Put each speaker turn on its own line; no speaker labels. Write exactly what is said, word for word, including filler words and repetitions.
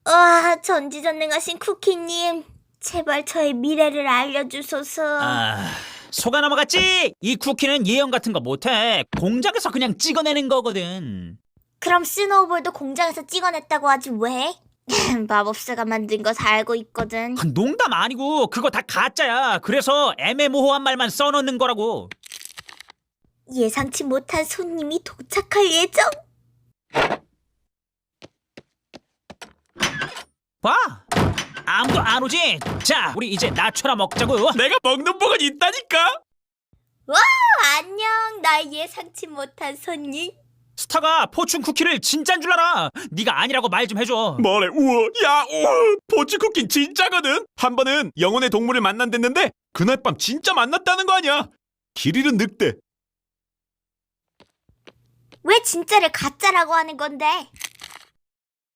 와, 전지전능하신 쿠키님, 제발 저의 미래를 알려주소서.
아, 속아 넘어갔지? 이 쿠키는 예언 같은 거 못해. 공장에서 그냥 찍어내는 거거든.
그럼 스노우볼도 공장에서 찍어냈다고 하지 왜? 마법사가 만든 거 다 알고 있거든.
농담 아니고 그거 다 가짜야. 그래서 애매모호한 말만 써놓는 거라고.
예상치 못한 손님이 도착할 예정.
봐, 아무도 안 오지? 자, 우리 이제 낮춰라 먹자고.
내가 먹는 복은 있다니까.
와, 안녕, 나의 예상치 못한 손님.
스타가 포춘 쿠키를 진짠 줄 알아. 네가 아니라고 말 좀 해줘.
뭐래? 우와, 야, 우와, 포치 쿠키 진짜거든. 한 번은 영혼의 동물을 만난댔는데 그날 밤 진짜 만났다는 거 아니야? 길 잃은 늑대.
왜 진짜를 가짜라고 하는 건데?